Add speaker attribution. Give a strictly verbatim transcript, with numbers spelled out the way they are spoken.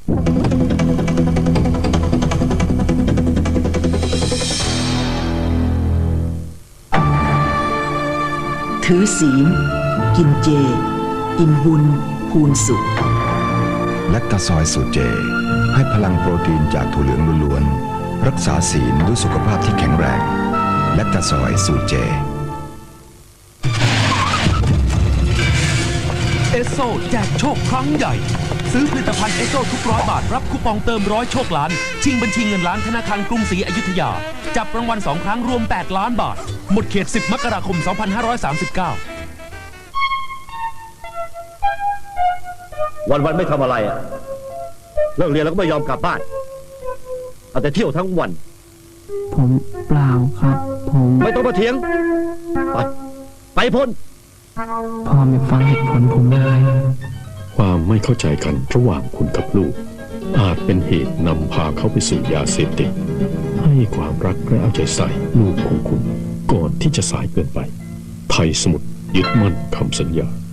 Speaker 1: ถือศีลกินเจอิ่มบุญพูนสุข
Speaker 2: แลคตาซอยสูตรเจให้พลังโปรตีนจากถั่วเหลืองล้วนๆรักษาศีลด้วยสุขภาพที่แข็งแรงแลคตาซอยสูตรเจ
Speaker 3: เอสโซแจกโชคครั้งใหญ่ซื้อผลิตภัณฑ์เอสโซทุกร้อยบาทรับคูปองเติมร้อยโชคล้านชิงบัญชีเงินล้านธนาคารกรุงศรีอยุธยาจับรางวัลสองครั้งรวมแปดล้านบาทหมดเขตสิบมกราคมสองพันห้าร้อยสามสิบเก้า
Speaker 4: วันวันไม่ทำอะไรอ่ะเลิกเรียนแล้วก็ไม่ยอมกลับบ้านเอาแต่เที่ยวทั้งวัน
Speaker 5: ผมเปล่าครับผม
Speaker 4: ไม่ต้องมาเถียงไปไปพ้น
Speaker 5: พ่อไม่ฟังเหตุผลผมเลย
Speaker 6: ความไม่เข้าใจกันระหว่างคุณกับลูกอาจเป็นเหตุนำพาเขาไปสู่ยาเสพติดให้ความรักและเอาใจใส่ลูกของคุณก่อนที่จะสายเกินไปไทยสมุทรยึดมั่นคำสัญญา